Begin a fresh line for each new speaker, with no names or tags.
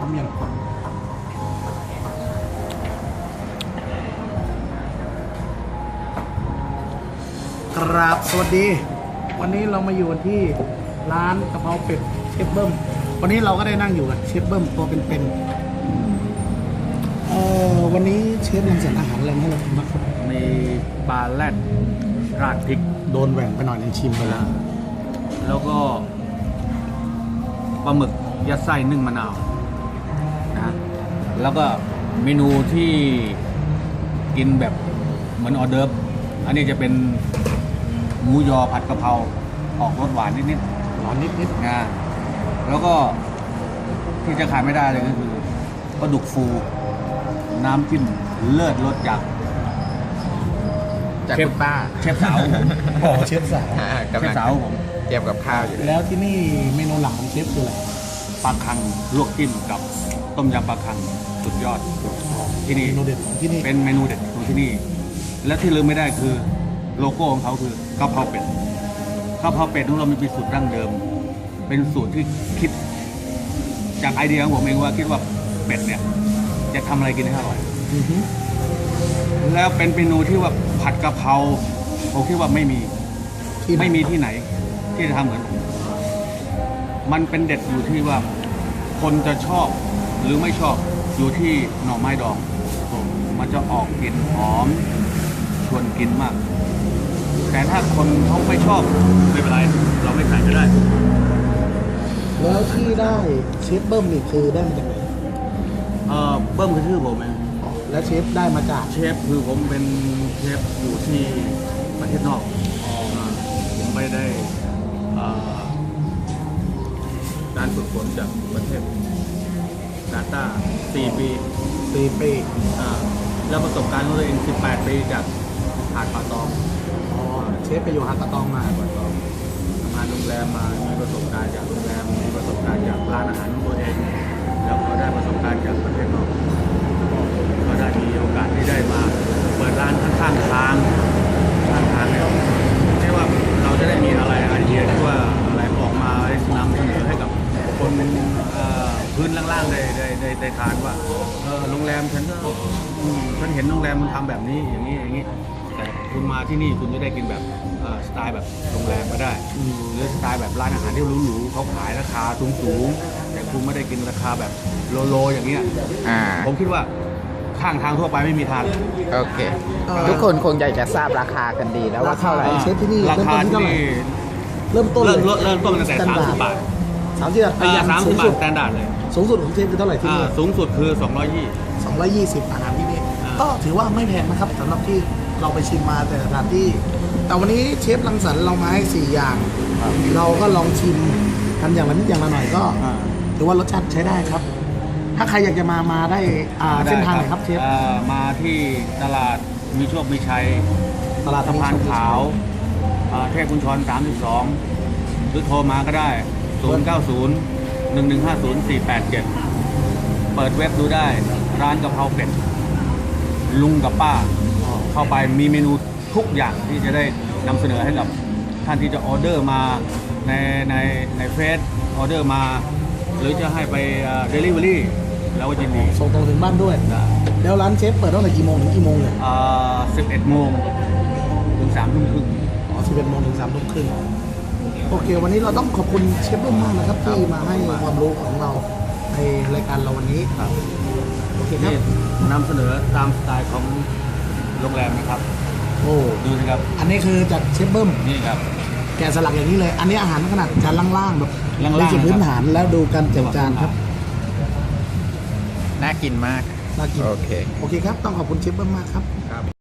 ร้อมยังครับสวัสดี วันนี้เรามาอยู่ที่ร้านกะเพราเป็ดเชฟเบิ้มวันนี้เราก็ได้นั่งอยู่กับเชฟเบิ้มตัวเป็นๆวันนี้เชฟยังเสร็จอาหารอะไรให้เราทำบ้างครับ
มีปลาแรดราดพริก
โดนแหว่งไปหน่อยนึงชิมไปแล้ว
แล้วก็ปลาหมึกยัดไส้นึ่งมะนาวนะแล้วก็เมนูที่กินแบบเหมือนออเดิร์ฟอันนี้จะเป็นหมูยอผัดกะเพราออกรสหวานนิด
ร้อนนิด
ๆนะแล้วก็ที่จะขาดไม่ได้เลยก็คือปลาดุกฟูน้ำจิ้มเลิศรสจาก
จากคุณป้า
เชฟสาวผม
ๆอ๋อเชฟสาว
กำ
เช
ลั
ฟ
ง
สาวผม
เตรียมกับข้าวอยู่
แล้วที่นี่เมนูหลักของเชฟคืออะไร
ปลาคังลวกจิ้มกับต้มยำปลาคังสุดยอดที่นี่
เมนูเด็ดของที่นี่
เป็นเมนูเด็ดของที่นี่ และที่ลืมไม่ได้คือโลโก้ของเขาคือกะเพราเป็ดกะเพราเป็ดของเรามีสูตรดั้งเดิม เป็นสูตรที่คิดจากไอเดียของผมเองว่าคิดว่าเป็ดเนี่ยจะทำอะไรกินให้อร่อย
อือฮึ
แล้วเป็นเมนูที่ว่าผัดกะเพราผมคิดว่าไม่มี
ที่ไหน
ไม่มีที่ไหนที่จะทำเหมือนผมมันเป็นเด็ดอยู่ที่ว่าคนจะชอบหรือไม่ชอบอยู่ที่หน่อไม้ดองมันจะออกกลิ่นหอมชวนกินมาก แต่ถ้าคนเขาไม่ชอบไม่เป็นไรเราไม่ใส่ก็ได้
แล้วที่ได้เชฟเบิ้มนี่คือได้มาจากไหน
เบิ้มคือชื่อผมเอง
แล้วเชฟได้มาจาก
เชฟคือผมเป็นเชฟอยู่ที่ประเทศนอกผมไม่ได้การฝึกฝนจากประเทศกาตาร์4 ปี
4 ปี
แล้วประสบการณ์ของตัวเอง18 ปีจากหาดป่าตอง
อ๋อเชฟไปอยู่หาดตะตองมา
ป่าตองทำงานโรงแรมมามีประสบการณ์จากโรงแรมมีประสบการณ์จากร้านอาหารของตัวเอง แล้วก็ได้ประสบการณ์จากประเทศนอกก็ได้มีโอกาสที่ได้มาเปิดร้านข้างๆทางเนี่ยไม่ว่าเราจะได้มีอะไรไอเดียที่ว่าอะไรออกมานำเสนอให้กับคนพื้นล่างๆได้ทานว่าโรงแรมฉันก็ฉันเห็นโรงแรมมันทำแบบนี้อย่างนี้แต่คุณมาที่นี่คุณจะได้กินแบบสไตล์แบบโรงแรมก็ได้หรือสไตล์แบบร้านอาหารที่หรูๆเขาขายราคาสูงๆแต่คุณไม่ได้กินราคาแบบโลอย่างเงี้ย ผมคิดว่าข้างทางทั่วไปไม่มีทาง
โอเค ทุกคนคงอยากจะทราบราคากันดีแล้วว่าเท่าไหร่
เชฟที่นี่
ราคาที่นี่
เริ่มต้น
เริ่มต้นตั้งแต่30 บาท
30 บาทยันสูง
30 บา
สุ
ท
ด
สแตนดาร์ดเลย
สูงสุดของเชฟคือเท่าไหร่ที่นี่
สูงสุดคือ
220อาหารที่นี่
อ่า
ก็ถือว่าไม่แพงนะครับสำหรับที่เราไปชิมมาแต่ละสถานที่ แต่วันนี้เชฟรังสรรค์เรามาให้4อย่าง เราก็ลองชิมกันอย่างละนิดอย่างละหน่อยก็ ถือว่ารสชาติใช้ได้ครับ ถ้าใครอยากจะมาได้เส้นทางไหนครับเชฟ
มาที่ตลาดมีโชคมีชัย
ตลาด
สะพานขาวเทพบุญชร32หรือโทรมาก็ได้ 090-1150-487 เปิดเว็บดูได้ร้านกะเพราเป็ดลุงกับป้าเข้าไปมีเมนูทุกอย่างที่จะได้นำเสนอให้กับท่านที่จะออเดอร์มาในเฟซออเดอร์มา หรือจะให้ไปเดลิเวอรี่เราก็ยินดี
ส่งตรงถึงบ้านด้วย แล้วร้านเชฟเปิดตั้งแต่กี่โมงถึงกี่โมงเลย
11 โมงถึง3 ทุ่มครึ่ง
11 โมงถึง 3 ทุ่มครึ่งโอเค วันนี้เราต้องขอบคุณเชฟเบิ้มมากนะครับที่มาให้ความรู้ของเราในรายการเราวันนี้
ครับ
โอเคครับ
นี่นำเสนอตามสไตล์ของโรงแรมนะครับ
โอ้
ดูสิครับ
อันนี้คือจากเชฟเบิ้ม
นี่ครับ
แกะสลักอย่างนี้เลย อันนี้อาหารขนาดจานล่างๆแบบ
ล่างๆ
เป็นจุดพื้นฐานแล้วดูการจัดจานครับ
น่ากินมาก
น่ากิน
โอเค
โอเคครับ ต้องขอบคุณเชฟเบิ้มมากครับ